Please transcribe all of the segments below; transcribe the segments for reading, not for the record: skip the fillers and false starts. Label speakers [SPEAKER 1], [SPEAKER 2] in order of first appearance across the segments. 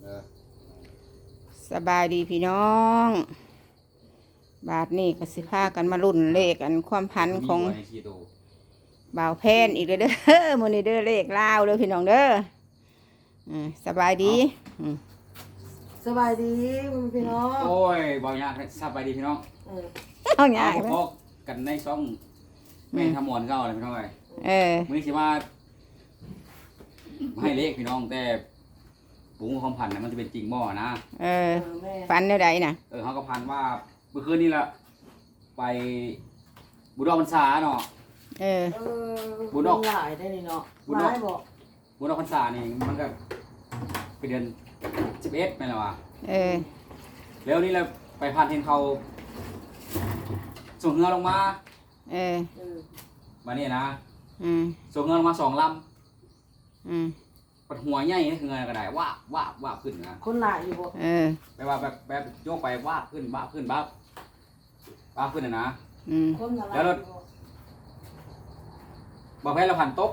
[SPEAKER 1] สบายดีพี่น้องบาทนี่ก็สิพากันมารุ่นเลขอันความพันของบ่าวแพนอีกเลยเด้อมื้อนี้เด้อเลขลาวเด้อพี่น้องเด้อสบายดี
[SPEAKER 2] สบายดีพี่น้อง
[SPEAKER 3] โอ้ยบ่ยากสบายดีพี่น้อง
[SPEAKER 1] เอาง่าย
[SPEAKER 3] พกกันในช่องแม่ทำหมอนเก่าเลยพี่น้องเอ้ยมื้อนี้สิว่าให้เลขพี่น้องแต่ปุ้งความพันน่ะมันจะเป็นจริงบ่นะ
[SPEAKER 1] ฝันแนวใดน่ะ
[SPEAKER 3] เขาก็พันว่าเมื่อคืนนี้ละไปบุญดอกพรรษาเนาะ
[SPEAKER 2] บุญดอกหลายได้นี่เนาะบุญดอกบอก
[SPEAKER 3] บุญดอกพรรษานี่มันก็เป็นเดือน11แม่นล่ะวะแล้วนี่เราไปพันเห็นเขาส่งเงือลงมามาเนี่ยนะส่งเงือลงมา2 ลำปัดหัวใหญ่นี่คือเงือก็ได้ว่าขึ้นนะ
[SPEAKER 2] คนหลายอยู่บ่
[SPEAKER 3] แปลว่าแบบโยกไปว่าขึ้นบ้าขึ้นนะแล้วรถบอกให้เราผ่านโต๊ะ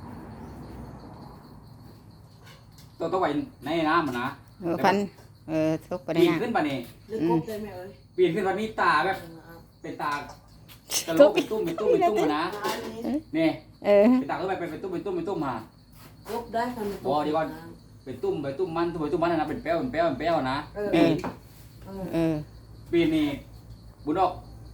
[SPEAKER 3] ไว้ในน้ำมันนะ
[SPEAKER 1] พันทุกประเด็น
[SPEAKER 3] ปีนขึ้นป่ะนี่ปีนขึ้นป่ะนี่ตาแบบเป็นตากระโหลกเป็นตุ้มนะนี่เป็นตาก็ไปเป็นตุ้มมา
[SPEAKER 2] ลบได้ทัน
[SPEAKER 3] บ่ดีก่อนเป็นตุ้มมันนะเป็นแป้วนะปีนี่บุญดอก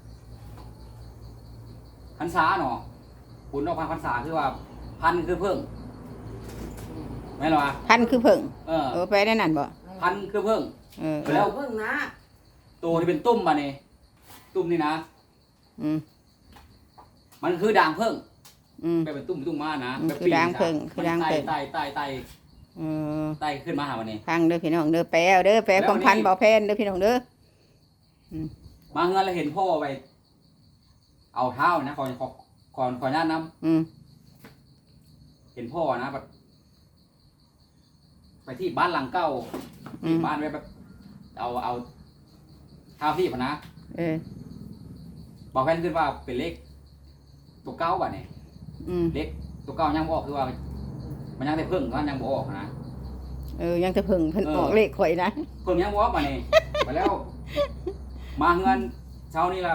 [SPEAKER 3] พรรษาเนาะบุญดอกพรรษาคือว่าพันคือเพิ่งแม่นหรอวะ
[SPEAKER 1] พันคือเพิ่งไปได้นั่นบ่
[SPEAKER 3] พันคือเพิ่ง
[SPEAKER 2] แล้วเพิ่งนะ
[SPEAKER 3] ตัวที่เป็นตุ้มมาเนี่ยตุ้มนี่นะมันคือด่างเพิ่งเป็นตุ้มมานะ
[SPEAKER 1] คือด่างเพิ่งคือด่างเพิ่ง
[SPEAKER 3] ไต่ขึ้นมาหาวันนี้
[SPEAKER 1] พังเด้อพี่น้องเด้อแปลความพันบ่แพนเด้อพี่น้องเด้อ
[SPEAKER 3] มาเงินเราเห็นพ่อไปเอาเท้านะขอญาตน้ำเห็นพ่อนะไปที่บ้านหลังเก่าที่บ้านไปแบบเอาเท้าที่พนะบอกแฟนขึ้นว่าเป็นเลขตัวเก้าบ่ะเนี่ยเลขตัวเก้ายังบอกคือว่ามันยังแต่เพิ่งก็ยังบอกนะ
[SPEAKER 1] ยังแต่เพิ่งออกเลขข่อยนะ
[SPEAKER 3] เพิ่งยังบอกบ่ะเนี่ยไปแล้วมาเงินเช้านี้ละ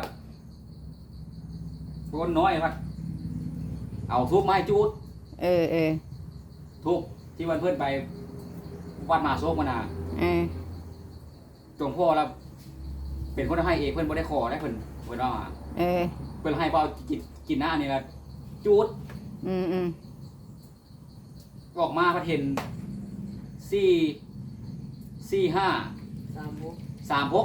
[SPEAKER 3] คนน้อยพัดเอาทุบไม้จูดทุบที่วันเพื่อนไปวัดมาโซกมานาจงพ่อแล้วเป็นคนให้เองเพื่อนบ่ได้ขอได้เพื่อนว่าเพื่อนให้เปล่ากินหน้านี่ละจูดออกมาพัดเห็น4-5-3-6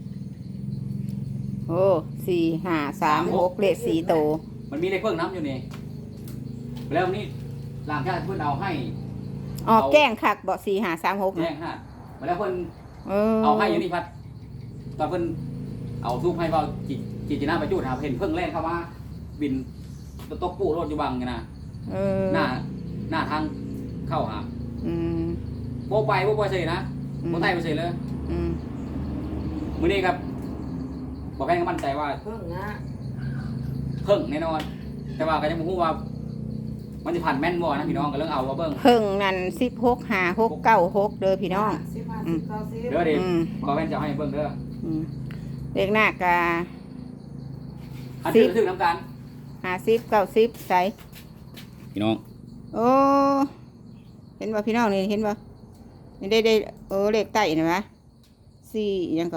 [SPEAKER 1] โอ้4-5-3-6เลข4โต
[SPEAKER 3] มันมีเลขเพิ่งน้ำอยู่นี่แล้วนี่หลังจากเพื่อนเอาให้
[SPEAKER 1] แกล้งคักบ่4-5-3-6
[SPEAKER 3] แกล้งฮะมาแล้วเพื่อนเอาให้อยู่นี่พัดตอนเพื่อนเอาทูบให้เปล่าจิหน้าไปจูดหาเห็นเพิ่งแล่นเข้ามาบินตกปูรถอยู่บังไงนะหน้าทางเข้าหาโบไปเฉยนะโบไต่ไปเฉยเลยมื้อนี้ครับบอกให้มั่นใจว่า
[SPEAKER 2] เพิ่งนะ
[SPEAKER 3] เพิ่งแน่นอนแต่ว่าก็ยังไม่รู้ว่ามันจะผ่านแม่นบ่นะพี่น้องก็เรื่องเอาว่าเบิ่ง
[SPEAKER 1] เพิ่งนั่น16-5-6-9-6เด้อพี่น้อง
[SPEAKER 3] เด้อดิบอกแม่นจะให้เบิ่งเด้อ
[SPEAKER 1] เลขหน้ากา
[SPEAKER 3] อันที่ถึงน้ำกัน
[SPEAKER 1] 50-90ใส่
[SPEAKER 3] พี่น้อง
[SPEAKER 1] โอ้เห็นบ่พี่น้องนี่เห็นบ่นี่ได้เลขใต้นะวะ4ยังก็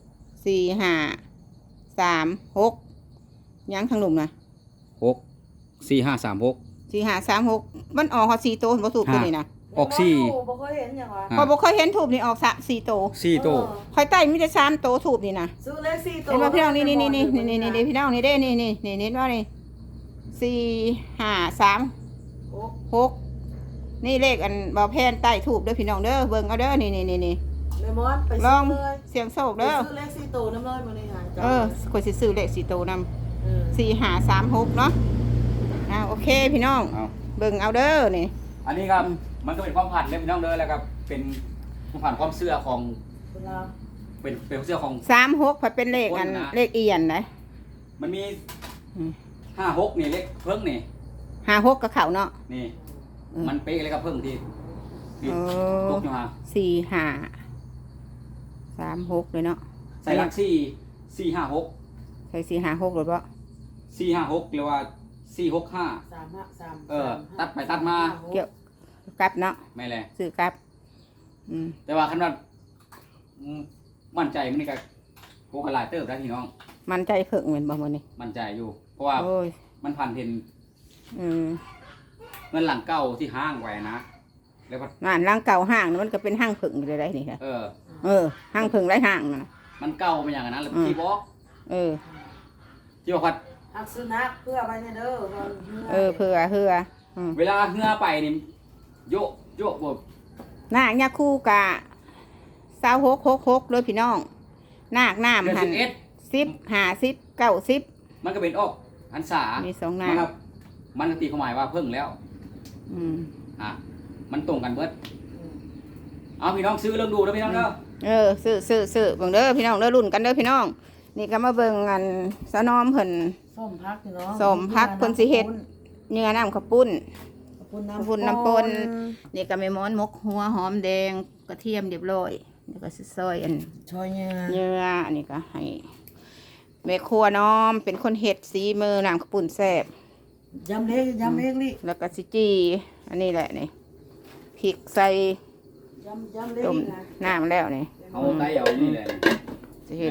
[SPEAKER 1] 4-5-3-6ยังทางหลุมนะ
[SPEAKER 3] 4-5-3-6
[SPEAKER 1] มันออก4โตเห็นบ่ถูกตัวนี้นะ
[SPEAKER 3] ออก
[SPEAKER 2] 4บ่เคยเห็นหยังวะ
[SPEAKER 1] พอบ่เคยเห็นถูกนี่ออก4โตค่อยใต้มีแต่3โตถูกนี่นะ
[SPEAKER 2] ซื้อเลข4โต
[SPEAKER 1] เห็นบ่พี่น้องนี่พี่น้องนี่เด้นี่ว่านี่4-5-3-6นี่เลขอันบ่แพนใต้ถูกเด้อพี่น้องเด้อเบิ่งเอาเด้อนี่ลองเสียงโชคเด้อ
[SPEAKER 2] ซื้อเลข4โตนำเลยมื้อนี้
[SPEAKER 1] ข่อยสิซื้อเลข4โตนำ4-5-3-6เนาะโอเคพี่น้องเบิ่งเอาเด้อนี่
[SPEAKER 3] อันนี้ครับมันก็เป็นความผันเลยพี่น้องเด้อแล้วครับเป็นความผันความเชื่อของเป็นเชื่อของ
[SPEAKER 1] 3-6ผัดเป็นเลขอันเลขเอียนนะ
[SPEAKER 3] มันมี5-6นี่เลขเพิ่งนี่
[SPEAKER 1] 5-6กับเขาเนาะ
[SPEAKER 3] นี่มันเป๊ะเลยครับเพิ่งที่นี่ตกอยู่ฮะ
[SPEAKER 1] สี่ห้าสามหกเลยเนาะ
[SPEAKER 3] ใส่หลัก4 4 5 6
[SPEAKER 1] ใส่สี่ห้าหกหรือเปล่า
[SPEAKER 3] 4 5 6หรือว่า4 6 5 ตัดไปตัดมา
[SPEAKER 1] เกี่ยวกลับเนาะ
[SPEAKER 3] ไม่แหละ
[SPEAKER 1] ซื้อกลับ
[SPEAKER 3] แต่ว่าคันว่ามั่นใจมันนี่ก็โคกหลายเติบได้พี่น้อง
[SPEAKER 1] มันใจเพิ่งเหมือนบ่มื้อนี้
[SPEAKER 3] มั่นใจอยู่ เพราะว่า
[SPEAKER 1] โอ้ย
[SPEAKER 3] มันผ่านเห็น
[SPEAKER 1] อืม
[SPEAKER 3] เงินหลังเก่าที่ห้างไว้นะแล้วก็
[SPEAKER 1] งานร่างเก่าห้างนะมันก็เป็นห้างผึ่งอยู่ได้นี่ค่ะ
[SPEAKER 3] เออ
[SPEAKER 1] ห้างผึ่งไรห้างนะ
[SPEAKER 3] มันเก่ามาอย่างนั้นแล้วที่บอก ที่บอกว่า
[SPEAKER 2] หักสุนัขเพื่อไปเนี่ยเด้อ
[SPEAKER 1] เพื่อ
[SPEAKER 3] เวลาเหือไปนี่โยกบ
[SPEAKER 1] นาคยาคู่กะ2666เลยพี่น้องนาคน้ำ
[SPEAKER 3] เดือน
[SPEAKER 1] หัน
[SPEAKER 3] 11
[SPEAKER 1] 10 50 90
[SPEAKER 3] มันก็เป็นออกอันสา
[SPEAKER 1] มีสองนา
[SPEAKER 3] มัน
[SPEAKER 1] ค
[SPEAKER 3] ครับมันตีความหมายว่าเพิ่งแล้ว มันตรงกันเบิดเอาพี่น้องซื้อเริ่มดูแล้วพี่น้องเด้อ
[SPEAKER 1] ซื้อเบิ่งเด้อพี่น้องเด้อรุ่นกันเด้อพี่น้องนี่ก็มาเบิ่งอันสะนอมเพิ่น
[SPEAKER 2] ส้มพักพี่น้อง
[SPEAKER 1] ส้มพักเพิ่นสิเฮ็ด เนื้อน้ำข้าวปุ้น
[SPEAKER 2] ปุ้นน้ำปน
[SPEAKER 1] นี่ก็แม่ม้อนมกหัวหอมแดงกระเทียมเรียบร้อยแล้วก็สิซอยอัน
[SPEAKER 2] ชอยเนื้อ
[SPEAKER 1] เนื้ออันนี้ก็ให้แม่ครัวน้อมเป็นคนเฮ็ดสีมือน้ำข้าวปุ้นแซ่บ
[SPEAKER 2] ยำเล็กนี่
[SPEAKER 1] แล้วก็สิจีอันนี้แหละนี่พริกใส่
[SPEAKER 2] ยำเล็ก
[SPEAKER 1] ต้ม
[SPEAKER 2] นะ
[SPEAKER 1] น้ำแล้วนี่
[SPEAKER 3] เอาไตเอานี่เลย
[SPEAKER 1] สิเฮ็ด
[SPEAKER 3] ใน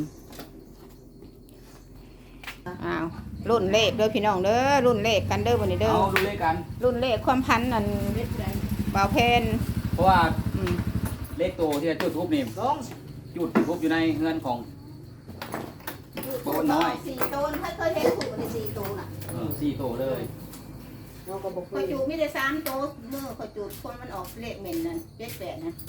[SPEAKER 1] อ้าวรุ่นเลขเด้อพี่น้องเด้อรุ่นเลขกันเด้อวันนี้เด้อ
[SPEAKER 3] เอาดูเลขกัน
[SPEAKER 1] รุ่นเลขความพันนั่นบ่าวเพน
[SPEAKER 3] เพราะว่า
[SPEAKER 1] อืม
[SPEAKER 3] เลขโตที่จะจุดทุบนี่
[SPEAKER 2] ลง
[SPEAKER 3] จุดทุบอยู่ในเฮือนของ โตน้อย
[SPEAKER 1] สี่โตนเคยเห็นถูกในสี่โตนน่ะ
[SPEAKER 3] 4 โตเลย
[SPEAKER 2] น้องก็บอก
[SPEAKER 1] ขอยจูดมีแต่3โตเมื่อขอยจูดคนมันออกเลขเหม็นนั่น78นะ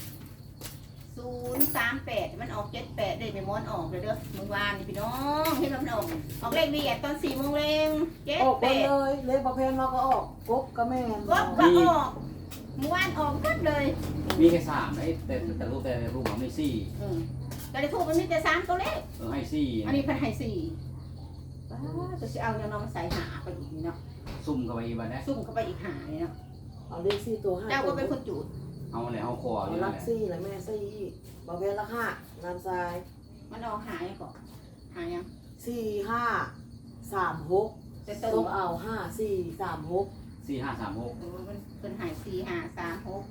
[SPEAKER 1] 038มันออก78ได้ไปม้อนออกเลยเด้อเมื่อวานนี่พี่น้องเห็นว่ามันออกเลขดีตอน4 โมงแรง
[SPEAKER 2] ออกไป
[SPEAKER 1] 78
[SPEAKER 2] เลยเล็กประเพณเราก็ออกกบก็แม่
[SPEAKER 1] ก็ออกเมื่อวานออกหมดเลย
[SPEAKER 3] มีแค่3ได้แต่รูปมันไม่4
[SPEAKER 1] แต่ในทูบมันมีแต่3ตัวเลข
[SPEAKER 3] ให้
[SPEAKER 1] อันนี้เพันให้4จะสิเอาอย่างน้องใส่หาไปอีกนี่เนาะ
[SPEAKER 3] 4ซุ่มเข้าไปอีกบัดนะ
[SPEAKER 1] ซุ่มเข้าไปอีกหานี่เนาะ
[SPEAKER 2] เอาเลขสี่ตัวห้า
[SPEAKER 1] เจ้าก็เป็นคนจูด
[SPEAKER 3] เอาแล้วเอาคออ
[SPEAKER 2] เอา
[SPEAKER 3] ยู่
[SPEAKER 2] ลั
[SPEAKER 3] นั่น
[SPEAKER 2] ก
[SPEAKER 3] แหละ
[SPEAKER 2] ซี่และแม่ซี่ประเพณละ5น้ำทราย
[SPEAKER 1] มันออกหายังก่อนหายัง
[SPEAKER 2] 4536
[SPEAKER 1] จะ
[SPEAKER 2] ต้
[SPEAKER 1] เติ
[SPEAKER 2] อ
[SPEAKER 1] ม
[SPEAKER 2] งเอา5436
[SPEAKER 3] 4536
[SPEAKER 1] มันเป็นหาย4 5 3 6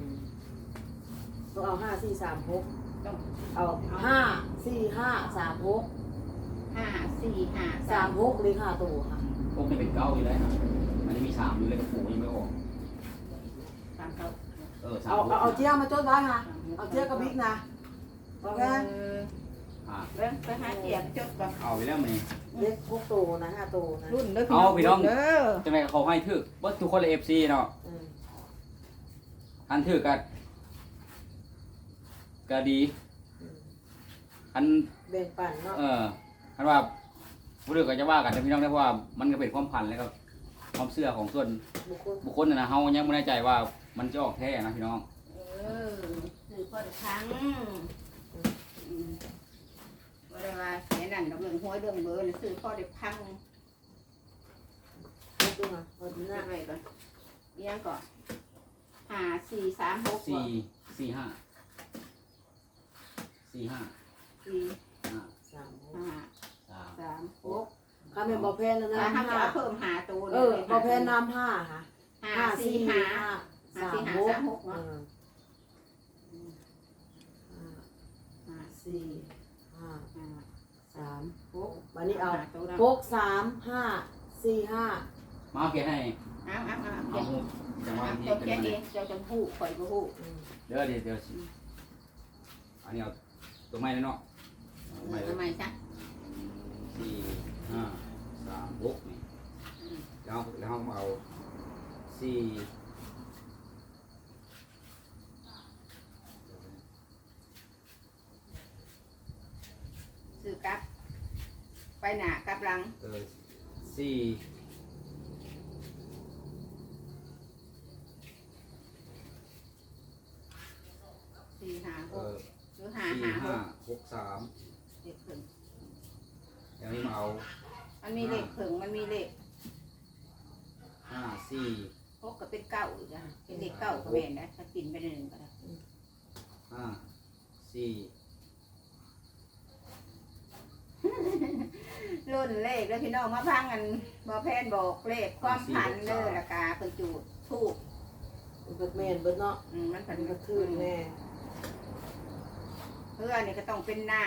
[SPEAKER 2] ต้องเอา5436
[SPEAKER 1] ต้อง
[SPEAKER 2] เอา54536
[SPEAKER 1] 5 4 5 3
[SPEAKER 2] 36เลยค่ะตัวค่ะ
[SPEAKER 3] พวกนี้เป็น9อยู่แล้วนะมันจะมี3อยู่เลยกับปู่ยังไม่ออก
[SPEAKER 1] 3เขา
[SPEAKER 2] เอาเจี๊ยมาจดไว้ค่ะเอาเจี๊ยกับบิ๊กนะประเพณ
[SPEAKER 1] เริ่มไปหาเกียบจดก่อน
[SPEAKER 3] เอาไปแล้วมั้ย
[SPEAKER 2] เล็ก6ตัวนะ5ตัวนะ
[SPEAKER 1] รุ่นเด้อ
[SPEAKER 3] เอาพี่น้อง
[SPEAKER 1] เด้อ
[SPEAKER 3] จังได๋ก็เขาให้ถึกเบิดทุกคนเลย FC เนาะอันถึกก็ดี อัน
[SPEAKER 2] แบ่งปันเนาะ
[SPEAKER 3] คันว่าผู้อื่นก็จะว่ากันแต่พี่น้องได้เพราะว่ามันก็เป็นความพันแล้วก็ความเชื่อของส่วน
[SPEAKER 2] บุคคล
[SPEAKER 3] บุคคลนะเฮายังไม่แน่ใจว่ามันจะออกแท้นะพี่น้อง
[SPEAKER 1] คือพอได้ครั้งว่าได้ว่าแค่นั้นดอกเรื่องห้วยเรื่องเบอร์นี่ซื้อพอได้พัง
[SPEAKER 2] ดูนะเอาดู
[SPEAKER 1] หน้า
[SPEAKER 2] นะ
[SPEAKER 1] ไปก่อนเลี้ยงก่อน5 4 3 6
[SPEAKER 3] 4 4 5 4 5
[SPEAKER 1] 4
[SPEAKER 3] 5
[SPEAKER 1] 5
[SPEAKER 3] 3
[SPEAKER 1] 3 6
[SPEAKER 2] ข้าเป็นประเพณแล้วนะ
[SPEAKER 1] ถ้าจะเอาเพิ่มหาตัว
[SPEAKER 2] ประเพณน้ำ5ค่ะ
[SPEAKER 1] 5 4 5 5 4 5 3 6เนาะ
[SPEAKER 2] 4 5 3
[SPEAKER 1] 6
[SPEAKER 2] วันนี้เอา
[SPEAKER 1] ตัวนะ
[SPEAKER 2] 6 3 5 4 5
[SPEAKER 3] มาเอาเขียนให้
[SPEAKER 1] เอา
[SPEAKER 3] เอาหูจังหวะที่
[SPEAKER 1] เจ้า
[SPEAKER 3] เป็น
[SPEAKER 1] แค่
[SPEAKER 3] ยังไง
[SPEAKER 1] เองเจ้าจะหู้ข่อยก็หู้
[SPEAKER 3] เดี๋ยวสิอันนี้เอาตัวไม้แล้วเนาะไม้
[SPEAKER 1] ทำไมจ๊ะ
[SPEAKER 3] 4 5 3 6นี่แล้วเอา4
[SPEAKER 1] ซื้อกลับ ไปหนากลับหลัง
[SPEAKER 3] 4
[SPEAKER 1] 4 5 6หรือ5 5 6
[SPEAKER 3] 6 3
[SPEAKER 1] เด็กผึ่ง
[SPEAKER 3] อย่างนี้มาเอา
[SPEAKER 1] มันมีเลขผึ่งมันมีเลข
[SPEAKER 3] 5 4
[SPEAKER 1] พกก็เป็นเก้าอีกอ่ะเป็นเด็กเก้าก็แม่นนะถ้ากินไปหนึ่งก็ได้
[SPEAKER 3] 5 4
[SPEAKER 1] รุ่นเลขแล้วพี่น้องมาพังกันบ่แพนบอกเลขความผันเด้อราคาเพิ่นจูดถูก
[SPEAKER 2] เบิดแม่นเบิดเนาะ
[SPEAKER 1] มันผัน
[SPEAKER 2] มัน
[SPEAKER 1] ก
[SPEAKER 2] ก็
[SPEAKER 1] ระ
[SPEAKER 2] ทื่
[SPEAKER 1] ทื
[SPEAKER 2] น
[SPEAKER 1] น
[SPEAKER 2] แน่
[SPEAKER 1] เพื่อนี่ก็ต้องเป็นหน้า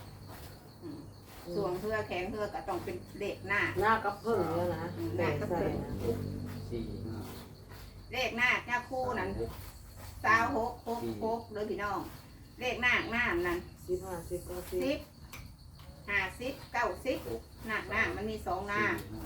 [SPEAKER 1] ส่วงเพื่อแข็งเพื่อก็ต้องเป็นเลขหน้า
[SPEAKER 2] หน้ากับเพิ่งแล้วนะ
[SPEAKER 1] หน้ากับเพิ่ง
[SPEAKER 3] 4
[SPEAKER 1] เลขหน้าหน้าคู่นั้น2666เลยพี่น้อง เลขหน้านั่น
[SPEAKER 2] 10 50 90
[SPEAKER 1] 10 50 90หน้ามันมี2หน้า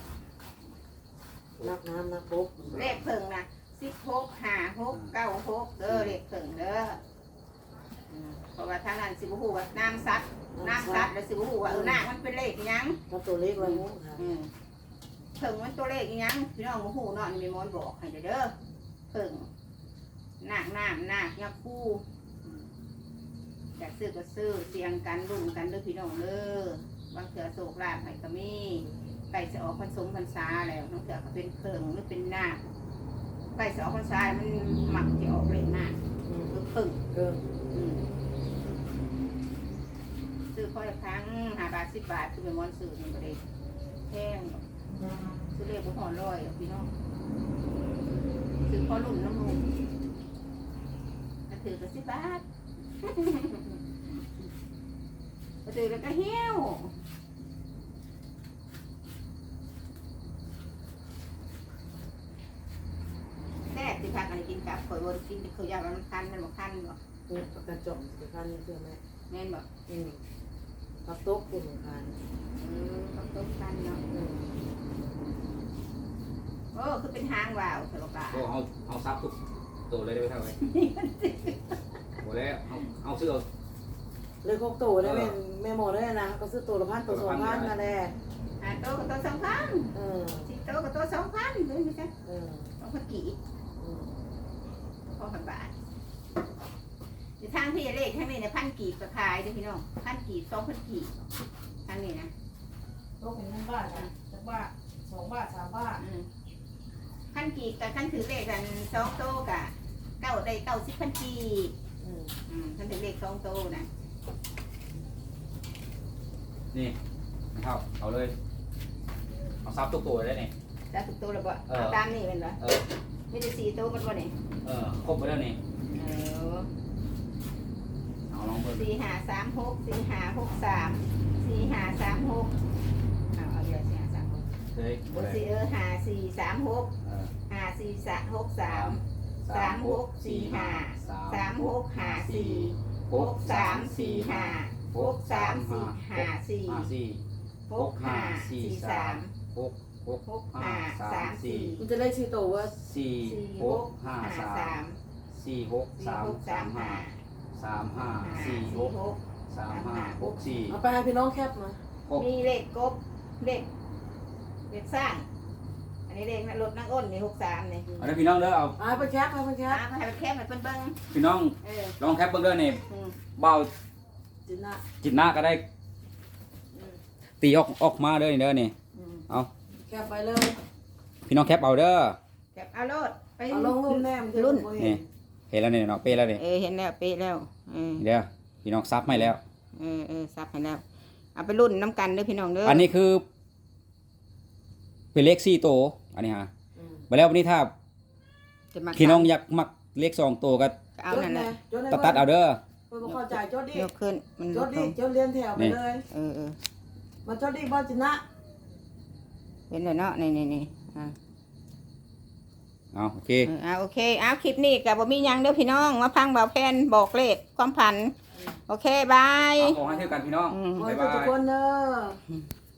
[SPEAKER 2] นักน้ำนักปุ๊บ
[SPEAKER 1] เลขเพิ่งนะ16 56 96เด้อเลขเพิ่งเด้อเพราะว่าทางนั้นสิบ่ฮู้ว่าน้ำซัดแล้วสิบ่ฮู้ว่าน้ามันเป็นเลขอีหยัง
[SPEAKER 2] ถ้าตัวเล็กไว้งูค่ะ
[SPEAKER 1] เพิ่งมันตัวเลขอีหยังพี่น้องบ่ฮู้เนาะนี่แม่มอนบอกให้เด้อเพิ่งนาคยักษ์คู่อยากซื้อก็ซื้อเสียงกันรุ่นกันเด้อพี่น้องเด้อบางเถื่อโศกลาภให้ก็มีใกล้จะออกพรรษาแล้วบางเถื่อก็เป็นเพิ่งหรือเป็นนาคใกล้จะออกพรรษามันมักจะออกเลขนาคคือเพิ่ง ซื้อค่อยครั้ง5 บาท 10 บาทคือเป็นมอนซื้อมันก็ได้แพงซื้อเลขบุหอนร้อยพี่น้องซื้อพอรุ่นน้ำมูกก็ถือก็10 บาทก็ถือแล้วก็เหี้ยวแซ่บสิพากันกินกับข่อยวนกินเขาอยากมันคันมันบ่คันบ่
[SPEAKER 2] กระจกสิคันนี่คือแม่
[SPEAKER 1] แม่นบ่
[SPEAKER 2] กับโต๊ะคุณคัน
[SPEAKER 1] ต้องต้มกันเนาะโอ้คือเป็นหางว่าวสลบา
[SPEAKER 3] ก็เอาซับทุกตัวเลยได้ไหมเท่าไหร่หมดแล้วเอาซื้อเอา
[SPEAKER 2] เลยคกตัวได้แม่หมดได้นะก็ซื้อตัวละ1,000ตัว2,000นั่นแหละ
[SPEAKER 1] โตกับโต2,000สิโตกับโต2,000เลยไม่ใช่2,000กี่2,000 บาทอยู่ทางที่เลขทางนี้เนี่ย1,000 กีบก็ขายเด้อพี่น้อง1,000 กีบ 2,000 กีบทางนี้นะ
[SPEAKER 2] โต๊ะเป็น1 บาทนะ1 บาท2 บาท3 บาท
[SPEAKER 1] 1,000 กีบกับท่านถือเลขกัน2 โตกะ9ได้90,000 กีบท่านถือเลข2 โตนะ
[SPEAKER 3] นี่นะครับเอาเลยเอาซับทุกตัวได้เนี่ย
[SPEAKER 1] แล้วถูกโตแล้วบ่ตามนี่เป็นบ่มีแต่4 โตมันบ่นี่
[SPEAKER 3] ครบไปแล้วนี่เอาลองเบิ่ง
[SPEAKER 1] 4 5 3 6 4 5 6 3 4 5 3 6เอาเดี๋ยว4 5 3 6
[SPEAKER 3] เลย
[SPEAKER 1] บน4 5 4 3 6 5 4 3 6 3 3 6 4 5 3 6 5 4 6 3 4 5 6 3 4 5 4 6 5 4 3 6 5 3 4
[SPEAKER 2] มันจะได้ชื่อตัวว่า
[SPEAKER 3] 4 6 5 3 4 6 3 3 5 3 5 4 6 3 5 6 4
[SPEAKER 2] เอาไปให้พี่น้องแคปมา
[SPEAKER 1] มีเลขกบเลขสร้างอันนี้เลขรถนั่งอ้นนี่63นี่
[SPEAKER 3] เอาได้พี่น้องเด้อเอา
[SPEAKER 2] เอาไปแคปเอาไปแคป
[SPEAKER 1] มาให้มันแคบให้เพิ่นเบิ่ง
[SPEAKER 3] พี่น้องลองแคปเบิ่งเด้อนี่เบา
[SPEAKER 2] จินนะ
[SPEAKER 3] จิตหน้าก็ได้ตีออกมาเด้อนี่เด้อนี่เอา
[SPEAKER 2] แคปไปเลย
[SPEAKER 3] พี่น้องแคปเอาเด้อ
[SPEAKER 1] แคบเอาโลดไป
[SPEAKER 2] เอาลงรุ่นแนม
[SPEAKER 1] รุ่น
[SPEAKER 3] นี่เห็นแล้วนี่เนาะเป๊ะแล้วนี่
[SPEAKER 1] เห็นแล้วเป๊ะแล้ว
[SPEAKER 3] เด้อพี่น้องซับให้แล้ว
[SPEAKER 1] ซับให้แล้วเอาไปรุ่นน้ำกันเด้อพี่น้องเด้อ
[SPEAKER 3] อันนี้คือเป็นเลข4โตวอันนี้ฮะมาแล้ววันนี้ถ้าพี่น้องอยากมักเลข2โตวก็
[SPEAKER 1] เอานั่นแหละ
[SPEAKER 3] ตัดเอาเด้อ
[SPEAKER 2] เพิ่นบ่เข้าใจจดดิ
[SPEAKER 1] ยกขึ้นมัน
[SPEAKER 2] จดดิจดเรียนแถวไปเลย มันจดดิบ่จินะ
[SPEAKER 1] เห็นเลยเนาะนี่
[SPEAKER 3] เอาโอเค
[SPEAKER 1] โอเคเอาคลิปนี้กับบ่มีหยังเด้อพี่น้องมาพังเบาแพนบอกเลขความผันโอเคบาย
[SPEAKER 3] ขอให้เท่ากันพี่น้อง
[SPEAKER 2] ขอ
[SPEAKER 3] บ๊าย
[SPEAKER 2] ให้
[SPEAKER 3] บา
[SPEAKER 2] ทุก
[SPEAKER 3] ย
[SPEAKER 2] คนเด้อ